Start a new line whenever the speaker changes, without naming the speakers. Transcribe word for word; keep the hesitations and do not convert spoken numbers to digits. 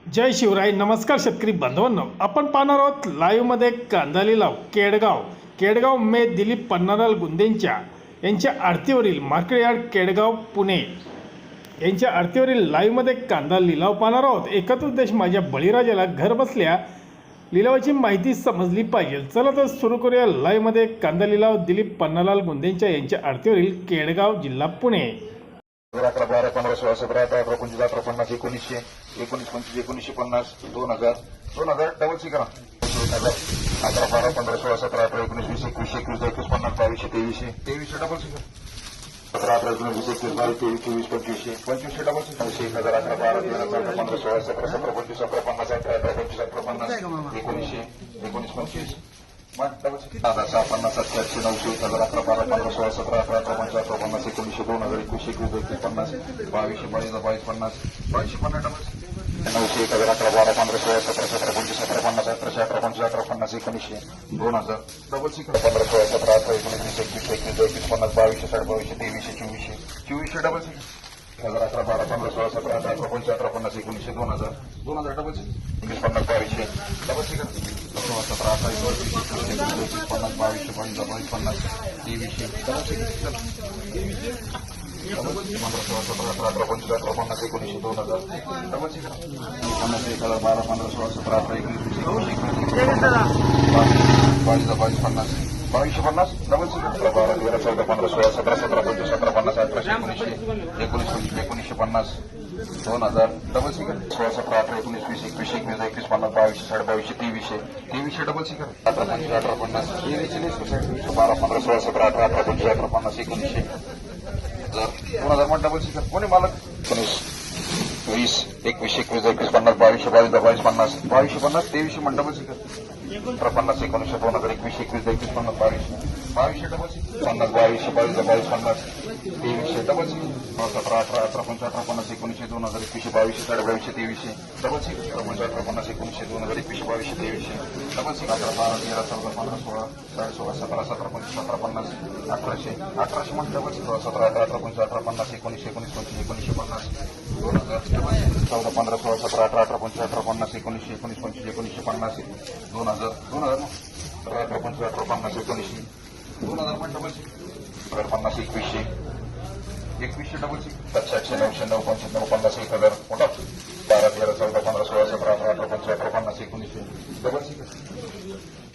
जय शिवराय. नमस्कार शेतकरी बांधवांनो, आपण पाहणार आहोत लाईव्हमध्ये कांदा लिलाव केडगाव केडगाव मे दिलीप पन्नालाल गुंदेंच्या यांच्या आडतीवरील मार्केट यार्ड केडगाव पुणे यांच्या आडतीवरील लाईव्हमध्ये कांदा लिलाव पाहणार आहोत. एकच उद्देश, माझ्या बळीराजाला घर बसल्या लिलावाची माहिती समजली पाहिजे. चला तर सुरू करूया लाईव्हमध्ये कांदा लिलाव दिलीप पन्नालाल गुंदेंच्या यांच्या आडतीवरील केडगाव जिल्हा पुणे.
अकरा बारा पंधरा सोळा सतरा अठरा अठरा पंचवीस अठरा पन्नास एकोणीसशे एकोणीस पंचवीस एकोणीसशे पन्नास दोन हजार दोन हजार डबल सी करा एक हजार अकरा बारा पंधरा सोळा सतरा अठरा एकोणीस वीस एकवीस एकवीस एकवीस पन्नास बावीसशे तेवीसशे तेवीसशे डबल सी करा अठरा अठरा एकोणीस वीस एकवीस बावीस तेवीस चोवीस पंचवीसशे पंचवीसशे डबल सी एक हजार अकरा बारा तेरा चौदा पंधरा सोळा सतरा सतरा पंचवीस अकरा पन्नास अठरा अठरा पंचवीस अठरा पन्नास एकोणीसशे एकोणीस पंचवीस दादा सहा पन्नास सातशे आठशे नऊशे एक हजार अकरा बारा पंधरा सोळा सतरा अठरा अठरा पंचवीस अठरा पन्नास एकोणीसशे दोन हजार एकवीसशे एकवीस एकवीस पन्नास बावीसशे बावीस बावीस पन्नास बावीसशे पन्नास डबल नऊशे एक हजार अकरा बारा पंधरा सोळा सतरा सतरा पंचवीस अठरा पन्नास अठराशे अठरा पंचवीस अठरा पन्नास एकोणीसशे दोन हजार डबल सी पंधरा सोळा सतरा अठरा एकोणीस वीस एकवीस एकवीस एकवीस पन्नास बावीसशे साठ बावीसशे तेवीसशे चोवीसशे चोवीसशे डबल सी एक हजार अकरा बारा पंधरा सोळा सतरा अठरा अठरा पंचवीस अठरा पन्नास एकोणीसशे दोन हजार दोन हजार डबल सी एकवीस पन्नास बावीसशे डबल सी सोळा सतरा अठरा एकोणीस एकवीस पन्नास बावीसशे बावीस बावीस पन्नास तेवीसशे डबल सी पंधरा सोळा सतरा अठरा अठरा पंचवीस अठरा पन्नास एकोणीसशे दोन हजार डबल सी पन्नास एक हजार बारा पंधरा सोळा सतरा अठरा एकोणीस वीस बावीस बावीस पन्नास बावीसशे पन्नास डबल सी अठरा बारा तेरा चौदा पंधरा सोळा सतरा सतरा पंचवीस सतरा पन्नास अठराशे एकोणीसशे एकोणीस पंचवीस एकोणीसशे पन्नास दोन हजार डबल सी सोळा सतरा अठरा एकोणीस वीस एकवीस एकवीस एकवीस पन्नास बावीसशे साठ बावीसशे तेवीसशे तेवीसशे डबल सी अठरा पंचवीस अठरा पन्नास तेवीसशे बारा पंधरा सोळा सतरा अठरा अठरा पंचवीस अठरा पन्नास एकोणीसशे दोन हजार मग डबल सी कोणी मालक एकोणीस वीस एकवीस एकवीस एकवीस पन्नास बावीसशे बावीस बावीस पन्नास बावीसशे पन्नास तेवीसशे मग डबल सी अठरा पन्नास एकोणीसशे दोन हजार एकवीस एकवीस एकवीस पन्नास बावीसशे बावीसशे डबल सी पन्नास बावीसशे बावीस बावीस पन्नास तेवीसशे डबल सी सतरा अठरा अठरा पंचवीस अठरा पन्नास एकोणीसशे दोन हजार एकवीसशे बावीसशे साडे बावीसशे तेवीसशे डबल सी पंचवीस अठरा पन्नास एकोणीसशे दोन हजार एकवीसशे बावीसशे तेवीसशे डबल सी अठरा बारा तेरा चौदा पंधरा सोळा साडे सोळा सतरा सतरा पंचवीस अठरा पन्नास अठराशे अठराशे मग डबल सी सोळा सतरा अठरा अठरा पंचवीस अठरा पन्नास एकोणीसशे एकोणीस पंचवीस एकोणीसशे पन्नास दोन हजार चौदा पंधरा सोळा सतरा अठरा अठरा पंचवीस अठरा पन्नास एकोणीसशे एकोणीस पंचवीस एकोणीसशे पन्नास दोन हजार दोन हजार अठरा अठरा पंचवीस अठरा पन्नास एकोणीसशे दोन हजार पण डबल सी अठरा पन्नास एकवीसशे एकवीसशे डबल सी सातशे आठशे नऊशे नऊ पंचवीस नऊ पन्नास एक हजार मोठा बारा तेरा चौदा पंधरा सोळा सतरा अठरा अठरा पंचवीस अठरा पन्नास एकोणीसशे डबल सी